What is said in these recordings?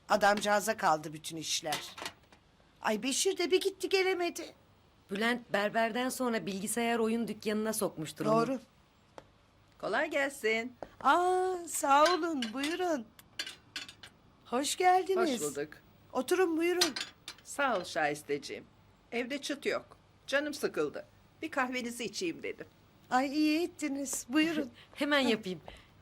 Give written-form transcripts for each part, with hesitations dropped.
Adamcağıza kaldı bütün işler. Ay Beşir de bir gitti gelemedi. Bülent berberden sonra bilgisayar oyun dükkanına sokmuştur onu. Doğru. Kolay gelsin. Sağ olun, buyurun. Hoş geldiniz. Hoş bulduk. Oturun buyurun. Sağ ol Şahisteciğim. Evde çıt yok. Canım sıkıldı. Bir kahvenizi içeyim dedim. Ay iyi ettiniz. Buyurun. Hemen yapayım.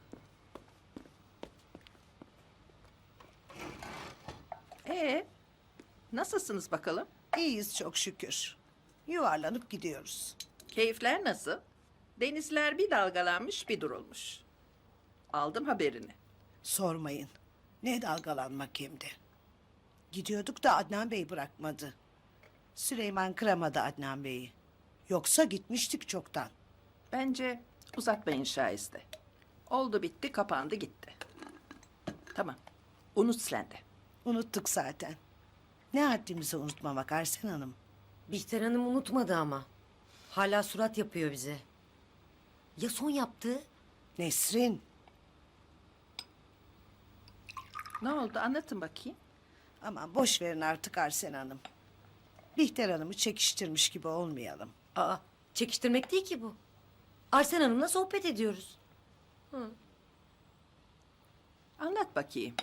Nasılsınız bakalım? İyiyiz çok şükür. Yuvarlanıp gidiyoruz. Keyifler nasıl? Denizler bir dalgalanmış bir durulmuş. Aldım haberini. Sormayın. Ne dalgalanmak hem de. Gidiyorduk da Adnan Bey bırakmadı. Süleyman kıramadı Adnan Bey'i. Yoksa gitmiştik çoktan. Bence uzatmayın Şahiste. Oldu bitti kapandı gitti. Tamam. Unut sen de. Unuttuk zaten. Ne haddimizi unutmamak Arsen Hanım. Bihter Hanım unutmadı ama. Hala surat yapıyor bize. Ya son yaptığı? Nesrin. Ne oldu anlatın bakayım. Aman boş verin artık Arsen Hanım. Bihter Hanım'ı çekiştirmiş gibi olmayalım. Aa, çekiştirmek değil ki bu. Arsen Hanım'la sohbet ediyoruz. Anlat bakayım.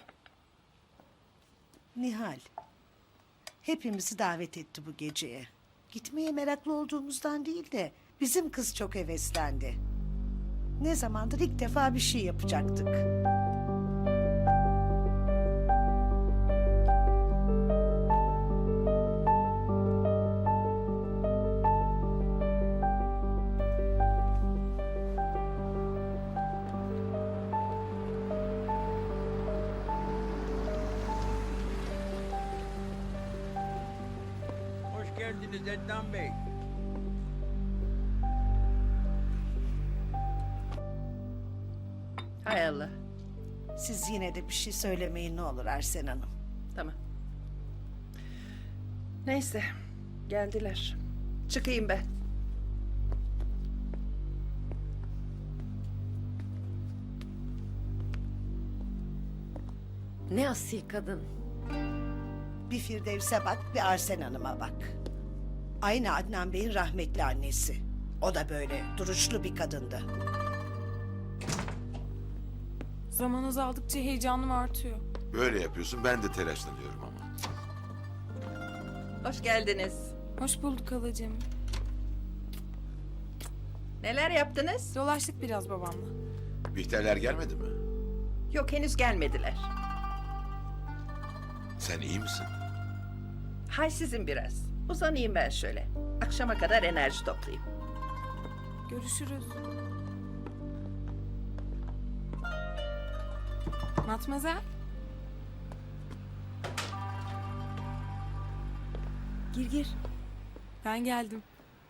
Nihal. Hepimizi davet etti bu geceye. Gitmeye meraklı olduğumuzdan değil de bizim kız çok heveslendi. Ne zamandır ilk defa bir şey yapacaktık. Hoş geldiniz Ednan Bey. Hay Allah. Siz yine de bir şey söylemeyin ne olur Arsen Hanım. Tamam. Neyse. Geldiler. Çıkayım ben. Ne asil kadın. Bir Firdevs'e bak, bir Arsen Hanım'a bak. Aynı Adnan Bey'in rahmetli annesi. O da böyle duruşlu bir kadındı. Zaman azaldıkça heyecanım artıyor. Böyle yapıyorsun, ben de telaşlanıyorum ama. Hoş geldiniz. Hoş bulduk halacığım. Neler yaptınız? Dolaştık biraz babamla. Bihterler gelmedi mi? Yok henüz gelmediler. Sen iyi misin? Halsizim biraz. Uzanayım ben şöyle. Akşama kadar enerji toplayayım. Görüşürüz. Matmazel. Gir gir. Ben geldim.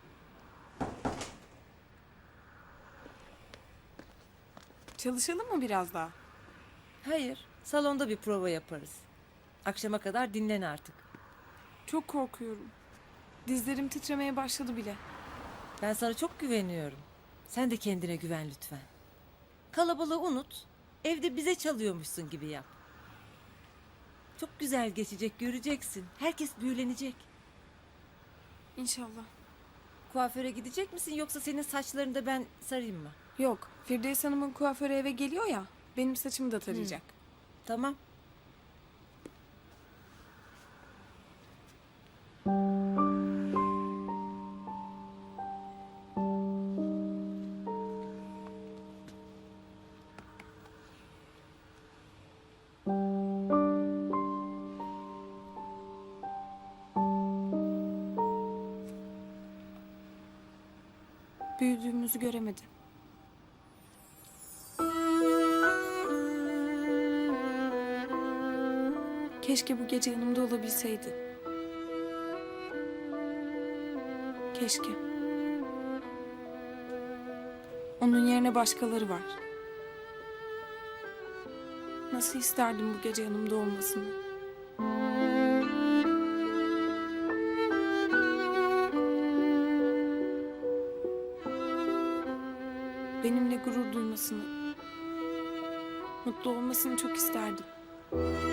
Çalışalım mı biraz daha? Hayır, salonda bir prova yaparız. Akşama kadar dinlen artık. Çok korkuyorum. Dizlerim titremeye başladı bile. Ben sana çok güveniyorum. Sen de kendine güven lütfen. Kalabalığı unut. Evde bize çalıyormuşsun gibi yap. Çok güzel geçecek, göreceksin. Herkes büyülenecek. İnşallah. Kuaföre gidecek misin yoksa senin saçlarını da ben sarayım mı? Yok, Firdevs Hanım'ın kuaförü eve geliyor ya. Benim saçımı da tarayacak. Tamam. Büyüdüğümüzü göremedi. Keşke bu gece yanımda olabilseydi. Keşke. Onun yerine başkaları var. Nasıl isterdim bu gece yanımda olmasını. Benimle gurur duymasını, mutlu olmasını çok isterdim.